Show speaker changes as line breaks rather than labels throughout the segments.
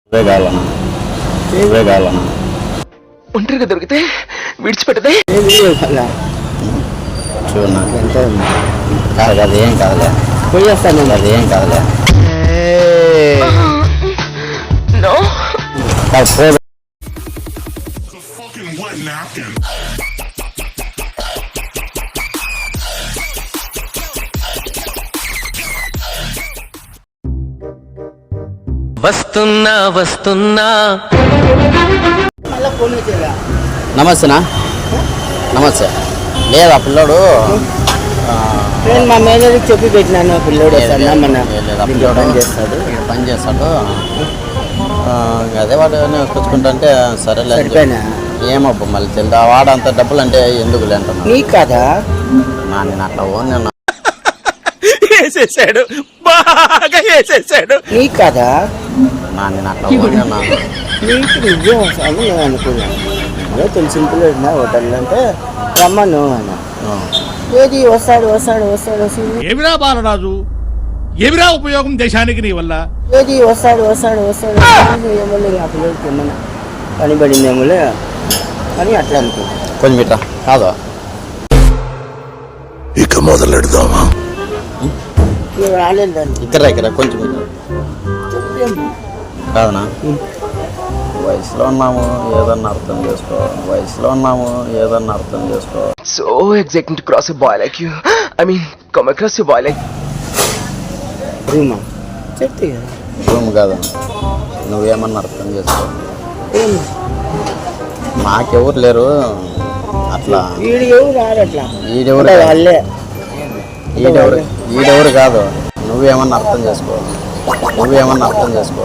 ఒంటరిగా దొరికితే విడిచిపెట్టదే
చూడు నాకు ఎంత కాదు, అది ఏం కాదులే, పోయేస్తాను, అది ఏం కాదులే.
వస్తున్నా వస్తున్నా.
నమస్తేనా? నమస్తే. లేదు ఆ పిల్లోడు
నేను మా మేనేజర్కి చెప్పి పెట్టినాను. పిల్లోడు
పని చేస్తాడు. అదే వాడు కూర్చుకుంటే సరేలే. ఏమబ్బా మళ్ళీ తెలియదు. వాడంత డబ్బులు అంటే ఎందుకు లేంటున్నా
నీకు కదా
నేను అట్లా ఓన్
వేసేసాడు, బాగా వేసేసాడు.
నీకు కదా
నేను అట్లా ఓన్
నీకు నిజం అని నేను అనుకున్నాను. అదే సింపుల్ హోటల్ అంటే రమ్మను అన్న. ఏది వస్తాడు వస్తాడు వస్తాడు వస్తాడు.
ఏమిరా బాలరాజు, ఏమిరా ఉపయోగం దేశానికి నీ వల్ల?
ఏది వస్తాడు వస్తాడు వస్తాడు. ఏమన్నా ఆ పిల్లలకి ఏమన్నా పని పడిందేమోలే అని అట్లా అనుకున్నాను.
కొంచెం ఇట్లా కాదు,
ఇక మొదలెడదామా?
రాలేదు దాన్ని
ఇక్కడ కొంచెం కాదనా? వయసులో ఉన్నాము, ఏదన్నా అర్థం చేసుకో. వయసులో ఉన్నాము, ఏదన్నా అర్థం చేసుకో.
So exciting to cross a boy like you. I mean, come across a boy like.
రూమా చెప్తే కదా
రూమ్ కాదు, నువ్వేమన్నా అర్థం చేసుకో. మాకెవరు లేరు అట్లా.
వీడు ఎవరు రారు అట్లా.
ఈడెవరు
వాళ్ళే
ఈడెవరు కాదు, నువ్వేమన్నా అర్థం చేసుకో. నువ్వేమన్నా అర్థం చేసుకో.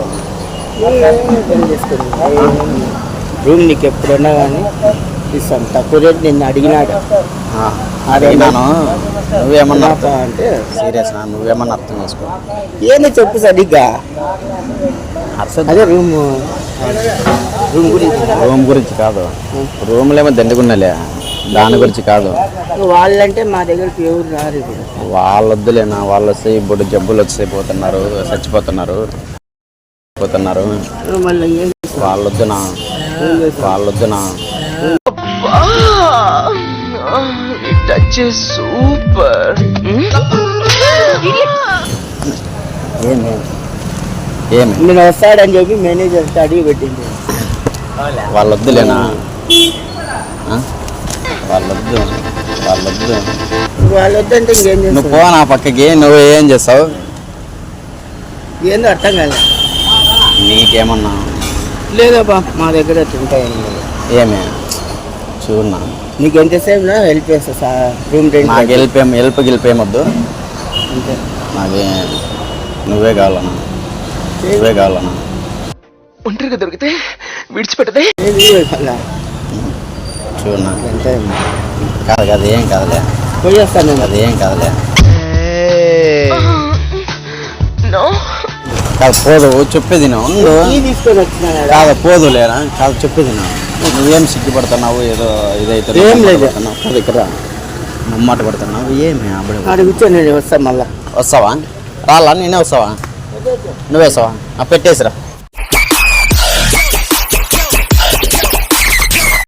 రూమ్ నీకు ఎప్పుడన్నా కానీ ఇస్తాను. తక్కువ రేట్ నిన్ను అడిగినాడు.
అడిగినాను. నువ్వేమన్నా
అంటే
సీరియస్, నువ్వేమన్నా అర్థం చేసుకో.
ఏంది చెప్పు సరిగ్గా. అదే రూమ్
గురించి కాదు, రూమ్లేమో దండుకున్నాలే, దాని గురించి కాదు.
వాళ్ళంటే మా దగ్గరికి ఎవరు రారు.
వాళ్ళొద్దులేనా? వాళ్ళు వస్తే ఇప్పుడు జబ్బులు వచ్చి పోతున్నారు, చచ్చిపోతున్నారు. వాళ్ళొద్దునా?
Touch is super.
ఏమి
నేను వస్తాడని చెప్పి మేనేజర్ అడిగి పెట్టింది.
వాళ్ళొద్దులేనా? వాళ్ళొద్దు.
వాళ్ళొద్దంటే ఇంకేం
నువ్వు
చేస్తావు?
పో నా పక్కకి. నువ్వు ఏం చేస్తావు?
ఏందో అర్థం కాదు.
నీకేమన్నా
లేదబ్బా మా దగ్గర ఉంటాయి.
ఏమి చూడన్నా,
నీకు ఎంతసేపు హెల్ప్ చేస్తా. రూమ్ రెంట్
నాకు హెల్ప్ గెలిపేమొద్దు.
అంతే.
నాకే నువ్వే కావాలన్నా.
ఒంటరిగా దొరికితే విడిచిపెట్టదే.
చూడన్నా
ఎంత
కాదు, అది ఏం కాదులే,
పోయేస్తాను.
అది ఏం కాదులే. కాదు పోదు, చెప్పేది నువ్వు
తీసుకొని వచ్చినా
కాదు, పోదులేరా? కాదు చెప్పేది నువ్వేం సిగ్గుపడుతున్నావు? ఏదో ఇదైతే
ఏం లేదు.
ఇక్కడ మమ్మాట పడుతున్నావు. ఏమి అప్పుడు
అక్కడ కూర్చొని నేను వస్తాను. మళ్ళా
వస్తావా? రాలా? నేనే వస్తావా? నువ్వేస్తావా? పెట్టేసిరా.